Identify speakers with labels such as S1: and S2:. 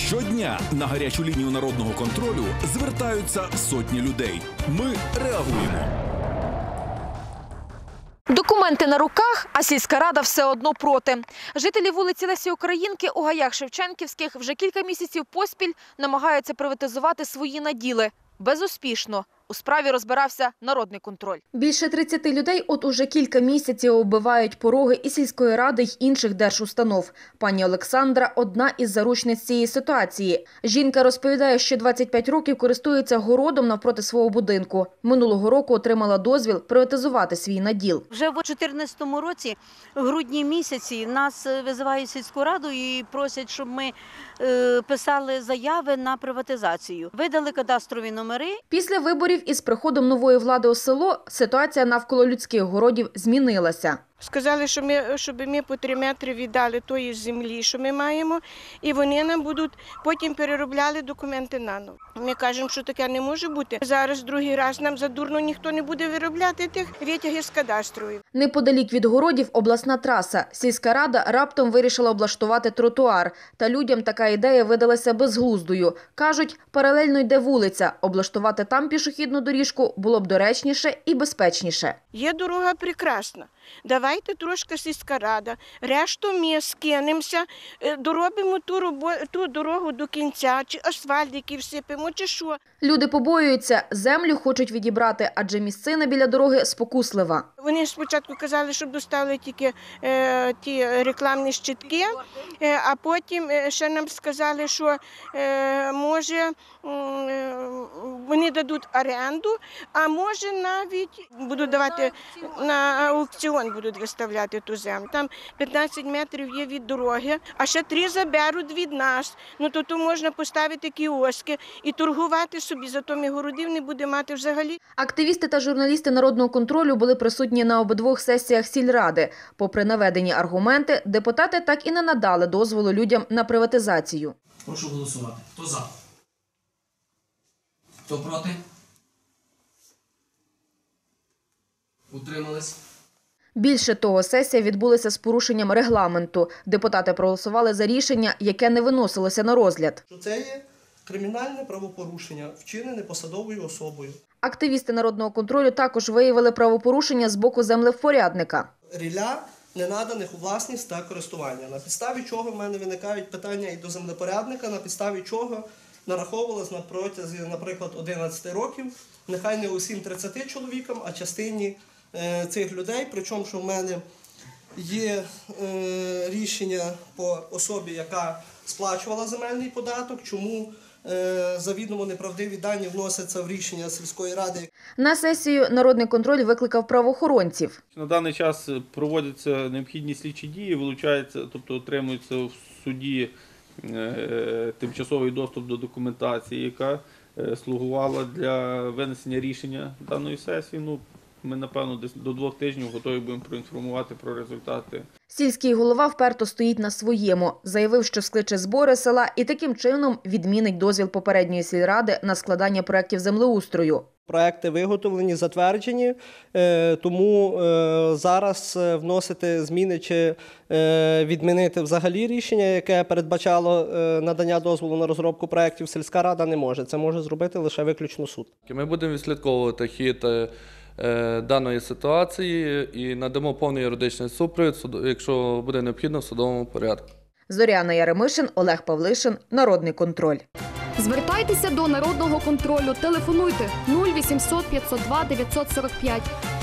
S1: Щодня на гарячу лінію народного контролю звертаються сотні людей. Ми реагуємо.
S2: Документи на руках, а сільська рада все одно проти. Жителі вулиці Лесі Українки у гаях Шевченківських вже кілька місяців поспіль намагаються приватизувати свої наділи. Безуспішно. У справі розбирався народний контроль. Більше 30 людей от уже кілька місяців оббивають пороги і сільської ради, й інших держустанов. Пані Олександра – одна із заручниць цієї ситуації. Жінка розповідає, що 25 років користується городом навпроти свого будинку. Минулого року отримала дозвіл приватизувати свій наділ.
S3: Вже в 2014 році, в грудні місяці, нас визивають в сільську раду і просять, щоб ми писали заяви на приватизацію. Видали кадастрові номери.
S2: Після виборів із приходом нової влади у село ситуація навколо людських городів змінилася.
S4: Сказали, щоб ми по 3 метри віддали тої землі, що ми маємо, і вони нам будуть потім переробляли документи наново. Ми кажемо, що таке не може бути. Зараз другий раз нам задурно ніхто не буде виробляти тих витягів з кадастрової.
S2: Неподалік від городів обласна траса. Сільська рада раптом вирішила облаштувати тротуар. Та людям така ідея видалася безглуздою. Кажуть, паралельно йде вулиця. Облаштувати там пішохідну доріжку було б доречніше і безпечніше.
S4: Є дорога прекрасна. Давайте трошки сільська рада, решту ми скинемося, доробимо ту дорогу до кінця, чи асфальтики всипемо, чи що.
S2: Люди побоюються, землю хочуть відібрати, адже місцина біля дороги спокуслива.
S4: Вони спочатку казали, щоб доставили тільки ті рекламні щитки, а потім ще нам сказали, що може вони дадуть оренду, а може навіть будуть давати на аукціон, будуть виставляти ту землю. Там 15 метрів є від дороги, а ще 3 заберуть від нас. Ну то можна поставити кіоски і торгувати собі, зато ми городів не будемо мати взагалі.
S2: Активісти та журналісти народного контролю були присутні на обидвох сесіях сільради. Попри наведені аргументи, депутати так і не надали дозволу людям на приватизацію.
S5: Прошу голосувати. Хто за? Хто проти? Утримались?
S2: Більше того, сесія відбулася з порушенням регламенту. Депутати проголосували за рішення, яке не виносилося на розгляд.
S6: Це є кримінальне правопорушення, вчинене посадовою особою.
S2: Активісти народного контролю також виявили правопорушення з боку землевпорядника.
S6: Рілля ненаданих у власність та користування. На підставі чого в мене виникають питання і до землепорядника, на підставі чого нараховувалось на протязі, наприклад, 11 років, нехай не усім 30 чоловікам, а частині цих людей. Причому, що в мене є рішення по особі, яка сплачувала земельний податок, чому завідомо неправдиві дані вносяться в рішення сільської ради.
S2: На сесію народний контроль викликав правоохоронців.
S7: На даний час проводяться необхідні слідчі дії, вилучається, тобто отримується в суді тимчасовий доступ до документації, яка слугувала для винесення рішення даної сесії. Ми, напевно, десь до 2 тижнів готові будемо проінформувати про результати.
S2: Сільський голова вперто стоїть на своєму. Заявив, що скличе збори села і таким чином відмінить дозвіл попередньої сільради на складання проєктів землеустрою.
S6: Проекти виготовлені, затверджені, тому зараз вносити зміни чи відмінити взагалі рішення, яке передбачало надання дозволу на розробку проєктів, сільська рада не може. Це може зробити лише виключно суд.
S8: Ми будемо відслідковувати хід даної ситуації і надамо повний юридичний супровід, якщо буде необхідно, в судовому порядку.
S2: Зоряна Яремишин, Олег Павлишин, Народний контроль.
S9: Звертайтеся до Народного контролю. Телефонуйте 0800 502 945.